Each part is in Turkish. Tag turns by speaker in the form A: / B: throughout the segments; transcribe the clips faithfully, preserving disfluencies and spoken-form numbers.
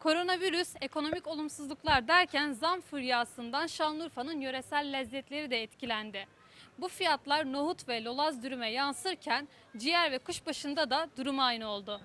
A: Koronavirüs, ekonomik olumsuzluklar derken zam furyasından Şanlıurfa'nın yöresel lezzetleri de etkilendi. Bu fiyatlar nohut ve lolaz dürüme yansırken ciğer ve kuşbaşında da durum aynı oldu.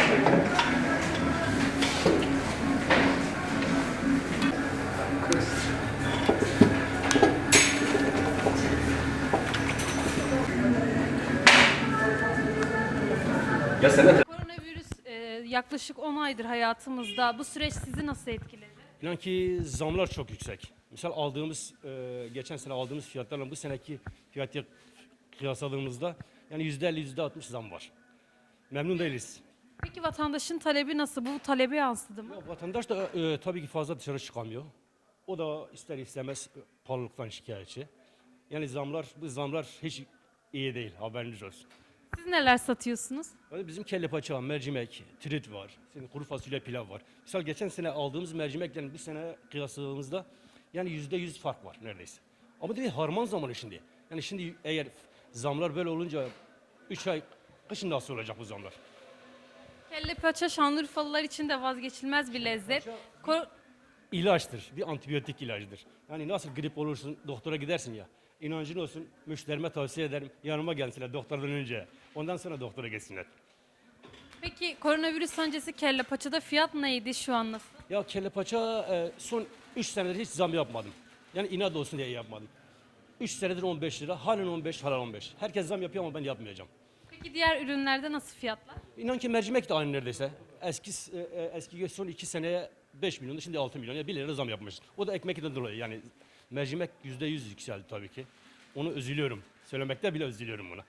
A: Koronavirüs e, yaklaşık on aydır hayatımızda. Bu süreç sizi nasıl etkiledi?
B: İnan ki zamlar çok yüksek. Misal aldığımız, e, geçen sene aldığımız fiyatlarla bu seneki fiyatı kıyasladığımızda yani yüzde elli, yüzde altmış zam var. Memnun değiliz.
A: Peki vatandaşın talebi nasıl? Bu talebe yansıdı mı?
B: Ya, vatandaş da e, tabii ki fazla dışarı çıkamıyor. O da ister istemez e, pahalılıktan şikayetçi. Yani zamlar, bu zamlar hiç iyi değil, haberiniz olsun.
A: Siz neler satıyorsunuz?
B: Yani bizim kelle paça, mercimek, trit var, şimdi kuru fasulye pilav var. Misal geçen sene aldığımız mercimekle bu sene kıyasladığımızda yani yüzde yüz fark var neredeyse. Ama değil harman zamanı şimdi. Yani şimdi eğer zamlar böyle olunca üç ay kışın nasıl olacak bu zamlar?
A: Kelle paça Şanlıurfalılar için de vazgeçilmez bir lezzet. Ko-
B: İlaçtır, bir antibiyotik ilacıdır. Yani nasıl grip olursun doktora gidersin ya. İnancın olsun müşterime tavsiye ederim yanıma gelsinler doktordan önce. Ondan sonra doktora gitsinler.
A: Peki koronavirüs öncesi kelle paçada fiyat neydi, şu an nasıl?
B: Ya kelle paça e, son üç senedir hiç zam yapmadım. Yani inat olsun diye yapmadım. üç senedir on beş lira, halen on beş, halen on beş. Herkes zam yapıyor ama ben yapmayacağım.
A: Peki diğer ürünlerde nasıl fiyatlar?
B: İnan ki mercimek de aynı neredeyse. Eski e, e, eski son iki seneye beş milyon, şimdi altı milyon. Yani bir lira zam yapmış. O da ekmekten dolayı yani mercimek yüzde yüz yükseldi tabii ki. Onu üzülüyorum. Söylemekte bile üzülüyorum buna.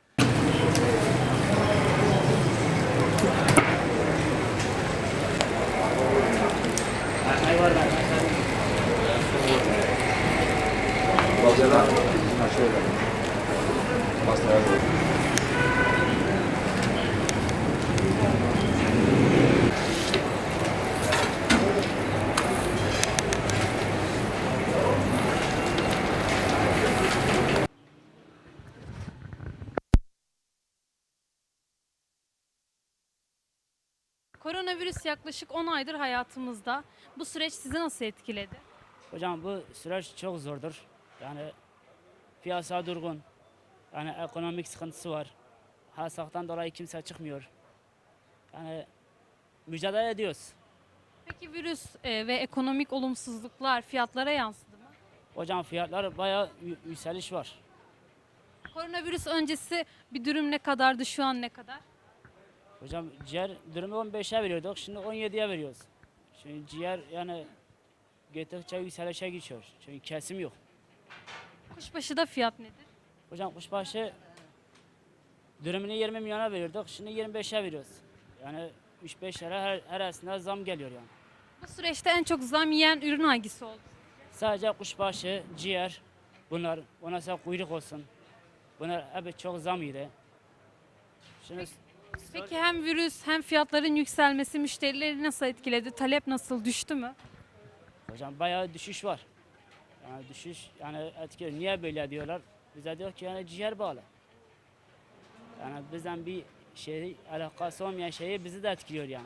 A: Koronavirüs yaklaşık on aydır hayatımızda. Bu süreç sizi nasıl etkiledi?
C: Hocam bu süreç çok zordur. Yani piyasa durgun. Yani ekonomik sıkıntısı var. Hasaktan dolayı kimse çıkmıyor. Yani mücadele ediyoruz.
A: Peki virüs e, ve ekonomik olumsuzluklar fiyatlara yansıdı mı?
C: Hocam fiyatlar bayağı yü- yükseliş var.
A: Koronavirüs öncesi bir dürüm ne kadardı, şu an ne kadar?
C: Hocam ciğer dürümü on beşe veriyorduk. Şimdi on yediye veriyoruz. Şimdi ciğer yani gittikçe yükselişe geçiyor. Çünkü kesim yok.
A: Kuşbaşı da fiyat nedir?
C: Hocam kuşbaşı dürümünü yirmi milyona veriyorduk. Şimdi yirmi beşe veriyoruz. Yani üç beş lira her, her arasında zam geliyor yani.
A: Bu süreçte en çok zam yiyen ürün hangisi oldu?
C: Sadece kuşbaşı, ciğer, bunlar, ondan sonra kuyruk olsun. Bunlar hep çok zam yedi. Şimdi
A: Peki hem virüs hem fiyatların yükselmesi müşterileri nasıl etkiledi? Talep nasıl, düştü mü?
C: hocam bayağı düşüş var. Yani düşüş yani etkiliyor. Niye böyle diyorlar? Bize diyor ki yani ciğer bağlı. Yani bizden bir şey alakası olmayan şeyi bizi de etkiliyor yani.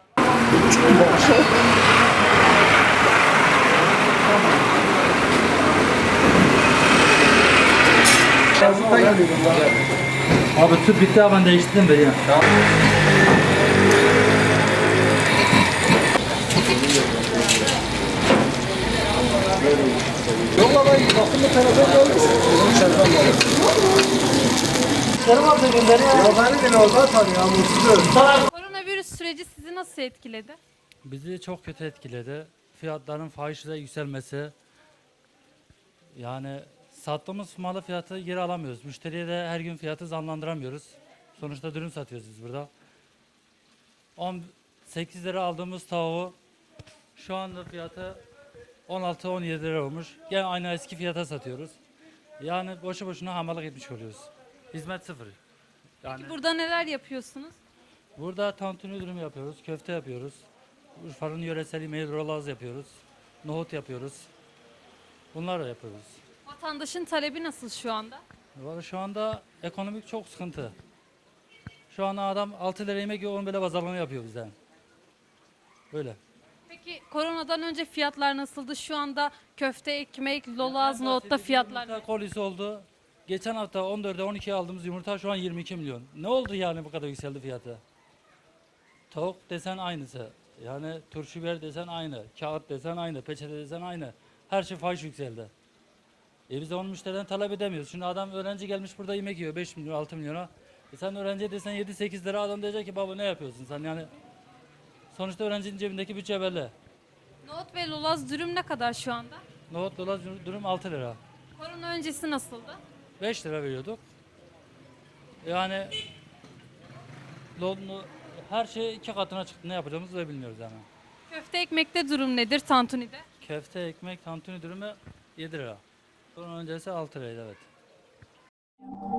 D: Abi tüp bitti ben değiştirdim de ya.
A: Koronavirüs süreci sizi nasıl etkiledi?
D: Bizi çok kötü etkiledi. Fiyatların fahişe yükselmesi. Yani sattığımız malı fiyatı geri alamıyoruz. Müşteriye de her gün fiyatı zamlandıramıyoruz. Sonuçta dürüm satıyoruz biz burada. on sekiz lira aldığımız tavuğu şu anda fiyatı on altı on yedi lira olmuş. Gene aynı eski fiyata satıyoruz. Yani boşu boşuna hamallık etmiş oluyoruz. Hizmet sıfır. Yani
A: Peki burada neler yapıyorsunuz?
D: burada tantuni dürüm yapıyoruz, köfte yapıyoruz. Urfa'nın yöresel yemeği rolaz yapıyoruz. Nohut yapıyoruz. Bunlar da yapıyoruz.
A: Vatandaşın talebi nasıl şu anda?
D: Vallahi şu anda ekonomik çok sıkıntı. Şu an adam altı lira yemek yiyor, on bile pazarlama yapıyor bizden. Böyle.
A: Peki Peki koronadan önce fiyatlar nasıldı? Şu anda köfte, ekmek, lolaz, nohutta fiyatlar ne?
D: Yumurta kolisi oldu. Geçen hafta on dörde on ikiye aldığımız yumurta şu an yirmi iki milyon. Ne oldu yani bu kadar yükseldi fiyatı? Tavuk desen aynısı. Yani turşu biber desen aynı. Kağıt desen aynı. Peçete desen aynı. Her şey fahiş yükseldi. E biz de onu müşteriden talep edemiyoruz. Şimdi adam öğrenci gelmiş burada yemek yiyor beş milyon altı milyona. E sen öğrenciye desen yedi sekiz lira, adam diyecek ki baba ne yapıyorsun sen yani. Sonuçta öğrencinin cebindeki bütçe belli.
A: Nohut ve lolaz dürüm ne kadar şu anda?
D: Nohut dolar dürüm altı lira.
A: Korona öncesi nasıldı?
D: beş lira veriyorduk. Yani lo- lo- her şey iki katına çıktı. Ne yapacağımızı da bilmiyoruz yani.
A: Köfte ekmekte durum nedir tantuni'de?
D: Köfte, ekmek, tantuni dürümü yedi lira. Bunun öncesi altı liraydı evet.